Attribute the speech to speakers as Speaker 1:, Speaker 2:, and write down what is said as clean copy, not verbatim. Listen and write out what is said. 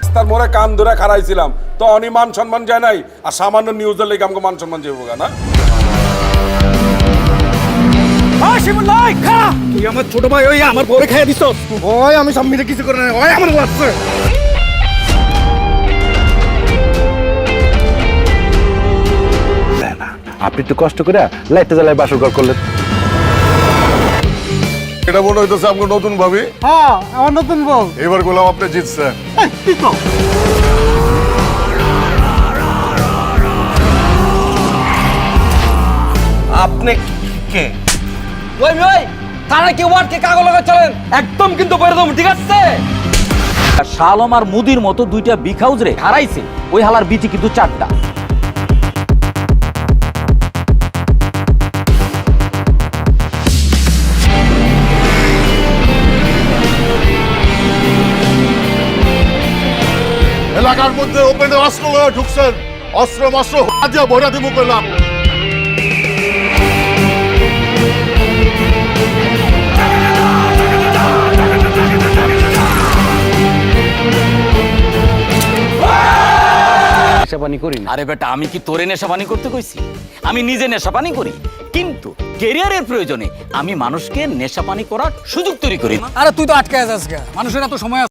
Speaker 1: রাস্তার মোড়ে কান ধরে খাড়াইছিলাম তো অনিমান সম্মান যায় নাই আর সামান্য নিউজের লেগে আমাকে মান সম্মান যাবো না
Speaker 2: তুই আমার ছোট ভাই ওই আমার বউরে খাইয়া দিছ ওই আমি সব মিলে কিছু করে না ওই আমার লাগছে
Speaker 3: আপনি একটু কষ্ট করে লাইটটা জ্বালায় বাসর ঘর করলেন।
Speaker 4: এটা মনে হইতেছে আপনার নতুন ভাবি।
Speaker 2: হ্যাঁ আমার নতুন বউ
Speaker 4: এবার গোলাম আপনি জিতছেন।
Speaker 2: আপনি কে
Speaker 5: ওই ওই তারা কি ওয়ার্ডকে কাগজ লাগা চলেন একদম কিন্তু বইরে দেব ঠিক আছে শালম আর মুদির মতো দুইটা বিগ হাউস রে হারাইছে ওই হালার বিটি কিন্তু চারটা
Speaker 4: এলাকার মধ্যে ওপেনে অস্ত্র লয়ে ঢুকছেন, অস্ত্র মস্ত্র হাজিয়া ভরা দিব কইলাম।
Speaker 3: নেশাপানি করি না।
Speaker 5: আরে বেটা আমি কি তোরে নেশাপানি করতে কইছি আমি নিজে নেশাপানি করি কিন্তু ক্যারিয়ারের প্রয়োজনে আমি মানুষকে নেশাপানি করার সুযোগ তৈরি করি
Speaker 6: আরে তুই তো আটকে আছিস মানুষের এত সময়